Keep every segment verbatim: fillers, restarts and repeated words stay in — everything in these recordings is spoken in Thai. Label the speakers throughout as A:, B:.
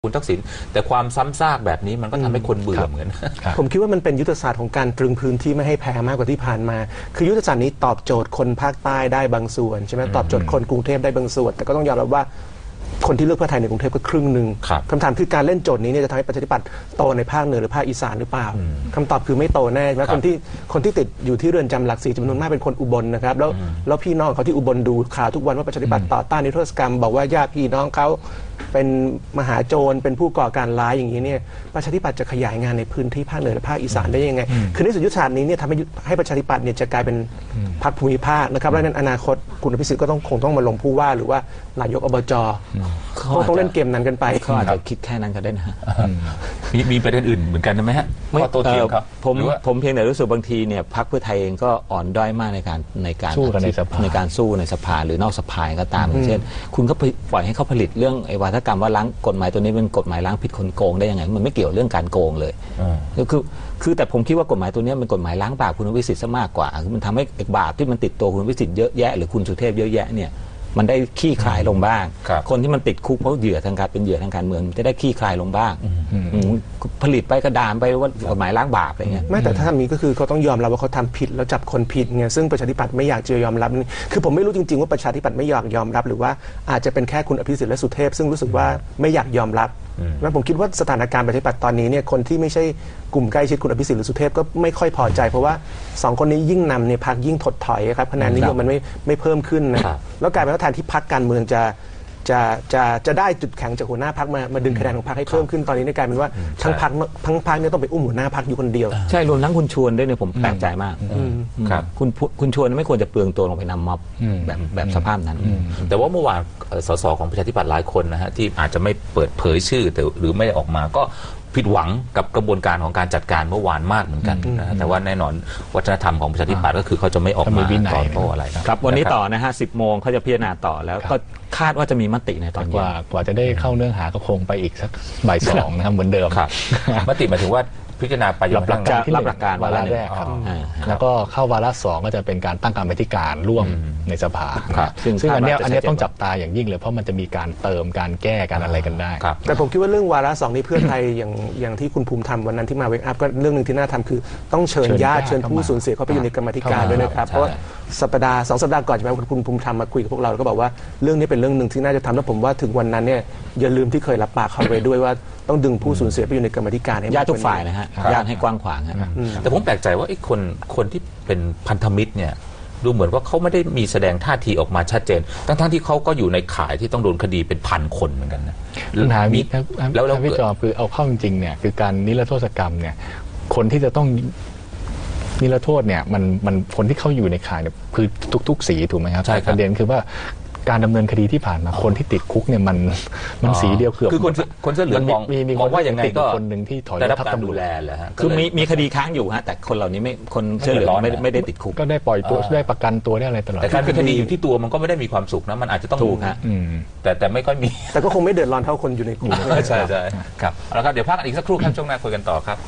A: คุณทักษิณแต่ความซ้ำซากแบบนี้มันก็ทำให้คนเบื่อเหมือน
B: ผมคิดว่ามันเป็นยุทธศาสตร์ของการตรึงพื้นที่ไม่ให้แพ้มากกว่าที่ผ่านมาคือยุทธศาสตร์นี้ตอบโจทย์คนภาคใต้ได้บางส่วนใช่ไหมตอบโจทย์คนกรุงเทพได้บางส่วนแต่ก็ต้องยอมรับว่าคนที่เลือกเพื่อไทยในกรุงเทพก็ครึ่งหนึ่งคำถามคือการเล่นโจทย์นี้เนี่ยจะทำให้ประชาธิปัตย์โตในภาคเหนือหรือภาคอีสานหรือเปล่าคำตอบคือไม่โตแน่และคนที่คนที่ติดอยู่ที่เรือนจำหลักสี่จำนวนมากเป็นคนอุบลนะครับแล้วแล้วพี่น้องเขาที่อุบลดูข่าวทุกวันว่าประชาธิปัตย์ต่อต้านนิรโทษกรรมบอกว่าญาติพี่น้องเขาเป็นมหาโจรเป็นผู้ก่อการร้ายอย่างนี้เนี่ยประชาธิปัตย์จะขยายงานในพื้นที่ภาคเหนือและภาคอีสานได้ยังไงคือในสุดยุทธศาสตร์นี้เนี่ยทำให้ให้ประชาธิปัตย์เนี่ยจะกลายเป็นพรรคภูมิภาคนะครับและในอนาคตคุณอภิสิทธิ์ก็ต้องคงต้องมาลงผู้ว่าหรือว่านายกอบจเขาต้องเล่นเกมนั้นกันไป
C: เขาอาจจะคิดแค่นั้นก็ได้นะ
A: มีมีประเด็นอื่นเหมือนกันไหมฮะ
C: ไม่โตเถียงครับผมผมเพียงแต่รู้สึกบางทีเนี่ยพรรคเพื่อไทยเองก็อ่อนด้อยมากในการในการ
D: สู้กันในสภา
C: ในการสู้ในสภาหรือนอกสภาก็ตามอย่างเช่นคุณก็ปล่อยให้เขาผลิตเรื่องไอ้วาทกรรมว่าล้างกฎหมายตัวนี้เป็นกฎหมายล้างผิดคนโกงได้ยังไงมันไม่เกี่ยวเรื่องการโกงเลยคือคือแต่ผมคิดว่ากฎหมายตัวนี้เป็นกฎหมายล้างบาปคุณวิสิทธิ์ซะมากกว่าคือมันทำให้บาปที่มันติดตัวคุณวิสิทธิ์เยอะแยะหรือคุณสุเทพเยอะแยะเนี่ยมันได้ขี้คลายลงบ้างคนที่มันติดคุกเพราะเหยื่อทางการเป็นเหยื่อทางการเมืองจะได้ขี้คลายลงบ้างผลิตไปกระดานไปว่ากฎหมายล้างบาปอะไรเงี้ย
B: ไม่แต่ถ้าทำนี้ก็คือเขาต้องยอมรับว่าเขาทำผิดแล้วจับคนผิดไงซึ่งประชาธิปัตย์ไม่อยากจะยอมรับคือผมไม่รู้จริงๆว่าประชาธิปัตย์ไม่อยากยอมรับหรือว่าอาจจะเป็นแค่คุณอภิสิทธิ์และสุเทพซึ่งรู้สึกว่าไม่อยากยอมรับแล้วผมคิดว่าสถานการณ์ประชาธิปัตย์ตอนนี้เนี่ยคนที่ไม่ใช่กลุ่มใกล้ชิดคุณอภิสิทธิ์หรือสุเทพก็ไม่ค่อยพอใจเพราะว่าสองคนนี้ยิ่งนำเนี่ยพรรคยิ่งถดถอยครับคะแนนนิยมมันไม่ไม่เพิ่มขึ้นนะแล้วกลายเป็นว่าแทนที่พรรคการเมืองจะจะจะจะได้จุดแข็งจากหัวหน้าพรรคมามาดึงคะแนนของพรรคให้เพิ่มขึ้นตอนนี้กลายเป็นว่าทั้งพรรคทั้งพรรคเนี่ยต้องไปอุ้มหัวหน้าพรรคอยู่คนเดียว
C: ใช่รวมทั้งคุณชวนด้วยเนี่ยผมแปลกใจมากครับคุณคุณชวนไม่ควรจะเปลืองตัวลงไปนำม็อบแบบแบบสภาพนั้น
A: แต่ว่าเมื่อวานสสของประชาธิปัตย์หลายคนนะฮะที่อาจจะไม่เปิดเผยชื่อแต่หรือไม่ได้ออกมาก็ผิดหวังกับกระบวนการของการจัดการเมื่อวานมากเหมือนกันนะแต่ว่าแน่นอนวัฒนธรรมของประชาธิปัตย์ก็คือเขาจะไม่ออกมาตอบโต้อะไร
C: ครับวันนี้ต่อนะฮะสิบโมงเขาจะพิจารณาต่อแล้วก็คาดว่าจะมีมติในตอน
D: กว่ากว่าจะได้เข้าเนื้อหาก็คงไปอีกสักบ่ายสองนะครับเหมือนเดิม
A: ครับมติหมายถึงว่าพิจารณาไป
D: รับหลักการที่รับหลักการวาระแรกครับแล้วก็เข้าวาระสองก็จะเป็นการตั้งกรรมธิการร่วมในสภาซึ่งอันนี้อันนี้ต้องจับตาอย่างยิ่งเลยเพราะมันจะมีการเติมการแก้การอะไรกันได้
B: แต่ผมคิดว่าเรื่องวาระสองนี้เพื่อไทยอย่างอย่างที่คุณภูมิธรรมวันนั้นที่มาเวกอัพก็เรื่องหนึ่งที่น่าทำคือต้องเชิญญาติเชิญผู้สูญเสียเข้าไปอยู่ในกรรมธิการด้วยนะครับเพราะสัปดาห์สองสัปดาห์ก่อนใช่ไหมคุณภูมิธรรมมาคุยกับพวกเราแล้วก็บอกว่าเรื่องนี้เป็นเรื่องหนึ่งที่น่าจะทำแล้วผมว่าถึงวันนั้นเนี่ยอย่าลืมที่เคยรับปากเขาไว้ด้วยว่าต้องดึงผู้สูญเสียไปอยู่ในกรรมธิการให้
C: ญาติทุกฝ่ายนะฮะญาติให้กว้างขวางฮะ
A: แต่ผมแปลกใจว่าไอ้คนคนที่เป็นพันธมิตรเนี่ยดูเหมือนว่าเขาไม่ได้มีแสดงท่าทีออกมาชัดเจนทั้งๆที่เขาก็อยู่ในข่ายที่ต้องโดนคดีเป็นพันคนเหมือนกันนะ
D: ปัญหามีแล้วแล้วพี่จอคือเอาเข้าจริงๆเนี่ยคือการนิรโทษกรรมเนี่ยคนที่จะต้องนิรโทษเนี่ยมันมันคนที่เข้าอยู่ในข่ายเนี่ยคือทุกๆสีถูกไหมครับประเด็นคือว่าการดำเนินคดีที่ผ่านมาคนที่ติดคุกเนี่ยมันมันสีเดียวเกือบ
A: คือคนคนเสื้อเหลืองมอง
D: มีมี
A: มองว่าอย่างไงก็
D: คนหนึ่งที่ถอย
A: ได้รับการดูแลแหละฮะ
C: คือมีมีคดีค้างอยู่ฮะแต่คนเหล่านี้ไม่คนเสื้อเหลืองไม่ไม่ได้ติดคุก
D: ก็ได้ปล่อยตัวได้ประกันตัวได้อะไรตลอด
A: แต่การเป็นคดีอยู่ที่ตัวมันก็ไม่ได้มีความสุขนะมันอาจจะต้อง
C: ถูกฮะ
A: แต่แต่ไม่ค่อยมี
B: แต่ก็คงไม่เดือดร้อนเท่าคนอยู่ในคุก
A: ใช่ใช่ครับแล้วครับเดี๋ยวพักอีกสักครู่ครับช่วงหน้าคุยกันต่อครับ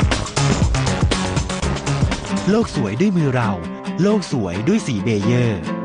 E: โลกสวยด้วยมือเราโลกสวยด้วยสีเบเยอร์